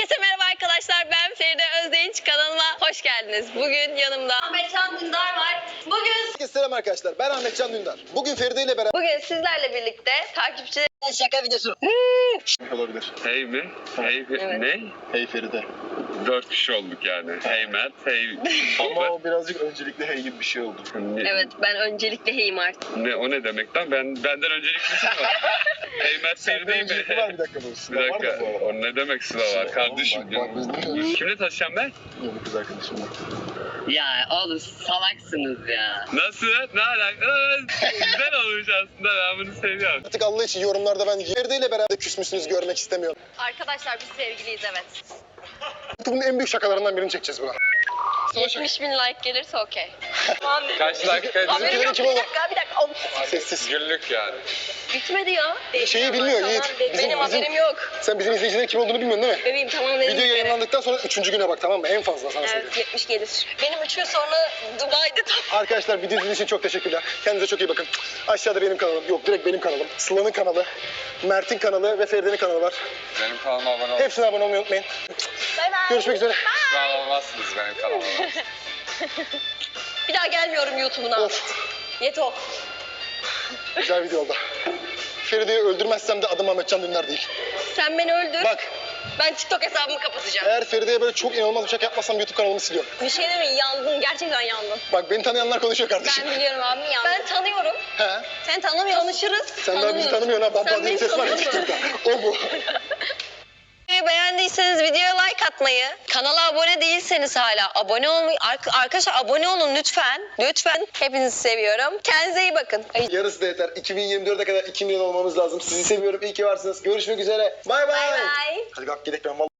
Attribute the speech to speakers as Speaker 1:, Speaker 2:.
Speaker 1: Herkese merhaba arkadaşlar, ben Feride Özdinç, kanalıma hoş geldiniz. Bugün yanımda Ahmetcan Dündar var.
Speaker 2: Herkese selam arkadaşlar. Ben Ahmetcan Dündar. Bugün Feride ile beraber
Speaker 1: Bugün sizlerle birlikte takipçiler
Speaker 2: şaka videosu olabilir.
Speaker 3: Hey mi? Hey
Speaker 1: Evet.
Speaker 3: ne?
Speaker 2: Hey Feride.
Speaker 3: 4 kişi olduk yani. Hey Mert, hey...
Speaker 2: Ama o birazcık öncelikle hey gibi bir şey oldu.
Speaker 3: Ne,
Speaker 1: Evet, ben öncelikle heyim artık.
Speaker 3: o ne demek lan? Benden öncelikli mi var? Hey Mert
Speaker 2: Senden
Speaker 3: değil mi?
Speaker 2: öncelikli var bir dakika bu.
Speaker 3: Bir
Speaker 2: Sıla var
Speaker 3: dakika.
Speaker 2: da bu arada.
Speaker 3: O ne demek Sıla var? Kardeşim.
Speaker 2: Bak biz ne diyoruz?
Speaker 3: Kimle taşıyacağım ben?
Speaker 2: Yeni kız arkadaşımla.
Speaker 4: Ya oğlum salaksınız ya.
Speaker 3: Nasıl? Ne alaka? Güzel olmuş aslında. Ben bunu seviyorum.
Speaker 2: Artık Allah için yorumlarda ben Feride ile beraber küsmüşsünüz görmek istemiyorum.
Speaker 1: Arkadaşlar biz sevgiliyiz, evet.
Speaker 2: YouTube'un en büyük şakalarından birini çekeceğiz buna.
Speaker 1: 70 bin like gelirse okey.
Speaker 3: Kaç dakika?
Speaker 1: Haberim yok,
Speaker 2: kim
Speaker 1: bir
Speaker 2: olur?
Speaker 1: dakika.
Speaker 2: Sessiz.
Speaker 3: Günlük yani.
Speaker 1: Bitmedi ya.
Speaker 2: Şeyi bilmiyor
Speaker 1: Tamam,
Speaker 2: Yiğit.
Speaker 1: Benim haberim yok.
Speaker 2: Sen bizim izleyicilerin kim olduğunu bilmiyorsun değil mi?
Speaker 1: Bebeğim tamam dedim.
Speaker 2: Video yayınlandıktan sonra 3. güne bak, tamam mı? En fazla sana söyleyeyim.
Speaker 1: Evet, 70 gelir. Benim 3 gün sonra Dubai'de tam.
Speaker 2: Arkadaşlar video izlediğiniz için çok teşekkürler. Kendinize çok iyi bakın. Aşağıda benim kanalım. Yok, direkt benim kanalım. Sıla'nın kanalı, Mert'in kanalı ve Feride'nin kanalı var.
Speaker 3: Benim kanalıma abone olun.
Speaker 2: Hepsine abone olmayı unutmayın.
Speaker 1: Bay bay.
Speaker 2: Görüşmek üzere.
Speaker 3: Ben olmazsınız benim kanalıma.
Speaker 1: Bir daha gelmiyorum YouTube'una.
Speaker 2: Of,
Speaker 1: Yeto.
Speaker 2: güzel video oldu. Feride'yi öldürmezsem de adım Ahmetcan Dündar değil.
Speaker 1: Sen beni öldür.
Speaker 2: Bak,
Speaker 1: Ben TikTok hesabımı kapatacağım.
Speaker 2: eğer Feride'ye böyle çok inanılmaz bir şaka yapmazsam YouTube kanalımı siliyorum.
Speaker 1: Bir şey değil mi? Yandın. Gerçekten yandın.
Speaker 2: Bak, beni tanıyanlar konuşuyor kardeşim.
Speaker 1: Ben biliyorum abi, yandın. Ben tanıyorum.
Speaker 2: He?
Speaker 1: Sen tanımıyorsun. Tanışırız.
Speaker 2: Sen daha bizi tanımıyorsun ha. Baba
Speaker 1: Sen
Speaker 2: diye bir
Speaker 1: beni
Speaker 2: ses var ya
Speaker 1: tanıyorsun.
Speaker 2: TikTok'ta. O bu.
Speaker 1: Beğendiyseniz videoya like atmayı, kanala abone değilseniz hala abone olmayı, arkadaşlar abone olun lütfen. Lütfen. Hepinizi seviyorum. Kendinize iyi bakın.
Speaker 2: Yarısı da yeter. 2024'e kadar 2 milyon olmamız lazım. Sizi seviyorum. İyi ki varsınız. Görüşmek üzere. Bay
Speaker 1: Bay
Speaker 2: bay.
Speaker 1: bay.
Speaker 2: Hadi kalk gidelim. Ben vallahi